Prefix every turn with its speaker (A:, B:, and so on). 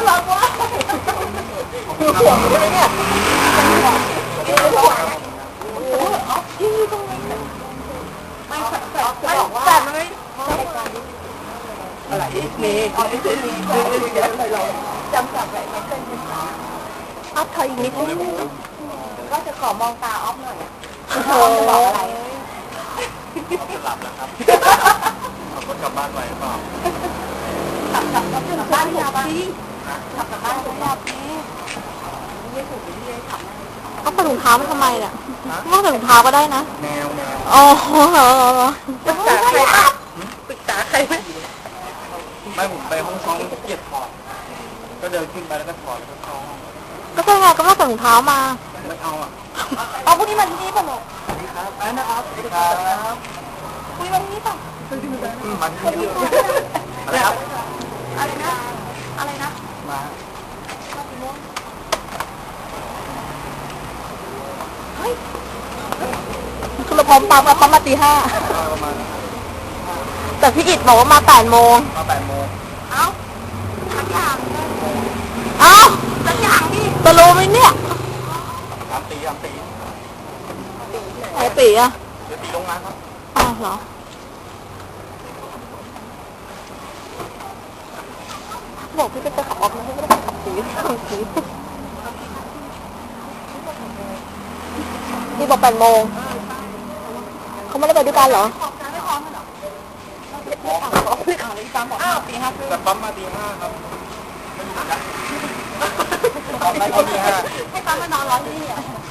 A: รักว่ะห่วงเลยเนี่ยที่ตรงนี้ไม่แต่มันไม่อะไรมีจำกับอะไรไม่เคยออฟเธออีกนิดนึงก็จะขอมองตาออฟหน่อยออฟจะบอกอะไร
B: จะหลับแล้วครับขับรถกลับบ้านไหวหรือเปล่า
A: ขับบ้านยาวดีขับกลับบ้านยาวดีไม่ถูกไม่ขับก็ใส่ถุงเท้ามันทำไมเนี่ยไม่ใส่ถุงเท้าก็ได้นะ
B: แนว
A: อ๋อปรึกษาใครปรึกษาใครไหม
B: ไม่ผมไปห้องซ้อมเกียรติถอดก็เดินขึ้นไปแล้วก็ถอดแล้วก็ซ้อม
A: ก็ใช่ไงก็ไม่ใส่ถุงเท้ามา
B: ไม่เอาอ่ะ
A: เอาพวกนี้มาที่นี่ป่ะหนู
B: สวัสดีครับไปนะครับสวัสดีครับ
A: คุยมาที่นี่ป่ะ
B: มันที่นี่อะไรครับ
A: อะไรนะอะไรนะ
B: มา
A: เฮ้ยคือเราพร้อมปั๊มกับเขามาตี 5แต่พี่อิฐบอกว่ามา8 โมง
B: มา8 โมง
A: เอ้าสักอย่างเอ้าสักอย่างพี่จะรู้ไหมเนี่ย
B: ตี
A: ไอ้ตีอ่ะ
B: เดี๋ยวตีลงน้ำครับ
A: อ้าวเหรอบอกพี่จะขับออกนะพี่ไม่ได้ขับตีพี่บอก8 โมงเขาไม่ได้ไปด้วยกันเหรอ
B: แต่ปั๊มมาตี 5ครับไม่มีจักรปั๊มได้ตี 5
A: ให้ปั๊มมานอนร้อนนี่อ่ะ